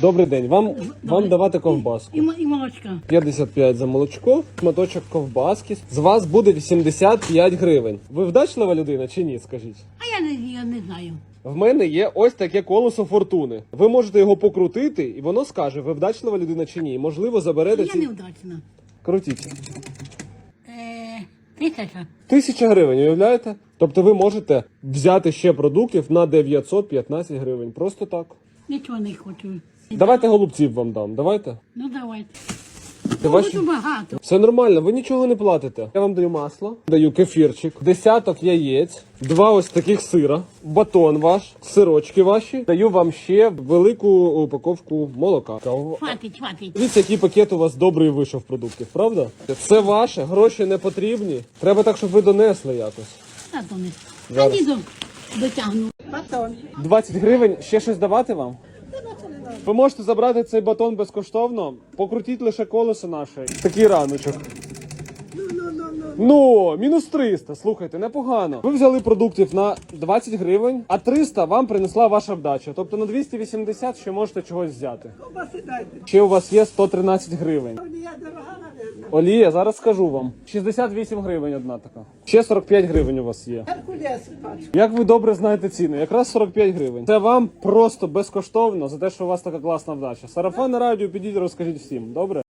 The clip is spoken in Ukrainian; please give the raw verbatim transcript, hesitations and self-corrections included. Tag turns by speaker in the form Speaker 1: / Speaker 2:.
Speaker 1: Добрий день. Вам, вам давати ковбаску.
Speaker 2: І, м- і молочка.
Speaker 1: п'ятдесят п'ять за молочко, шматочок ковбаски. З вас буде вісімдесят п'ять гривень. Ви вдачлива людина чи ні, скажіть?
Speaker 2: А я не, я не знаю.
Speaker 1: В мене є ось таке колесо фортуни. Ви можете його покрутити, і воно скаже, ви вдачлива людина чи ні. І, можливо, заберете
Speaker 2: Я
Speaker 1: ці...
Speaker 2: неудачна.
Speaker 1: Крутіть.
Speaker 2: Е, тисяча.
Speaker 1: Тисяча гривень, уявляєте? Тобто ви можете взяти ще продуктів на дев'ятсот п'ятнадцять гривень. Просто так.
Speaker 2: Нічого не хочу.
Speaker 1: Давайте голубців вам дам, давайте.
Speaker 2: Ну давайте.
Speaker 1: Це
Speaker 2: Ну,
Speaker 1: ваші...
Speaker 2: буду багато.
Speaker 1: Все нормально, ви нічого не платите. Я вам даю масло, даю кефірчик, десяток яєць, два ось таких сира, батон ваш, сирочки ваші. Даю вам ще велику упаковку молока.
Speaker 2: Хватить, хватить.
Speaker 1: Дивіться, який пакет у вас добрий вийшов продуктів, правда? Це ваше, гроші не потрібні. Треба так, щоб ви донесли якось.
Speaker 2: Та то не.
Speaker 1: Зараз.
Speaker 2: А дідом дотягну.
Speaker 1: двадцять гривень, ще щось давати вам? Ви можете забрати цей батон безкоштовно, покрутіть лише колесо наше. Такий раночок. Ну, мінус триста, слухайте, непогано. Ви взяли продуктів на двадцять гривень, а триста вам принесла ваша вдача. Тобто на двісті вісімдесят ще можете чогось взяти. Ще у вас є сто тринадцять гривень. Олія, зараз скажу вам. шістдесят вісім гривень одна така. Ще сорок п'ять гривень у вас є. Як ви добре знаєте ціни? Якраз сорок п'ять гривень. Це вам просто безкоштовно за те, що у вас така класна вдача. Сарафан на радіо, підіть, розкажіть всім. Добре?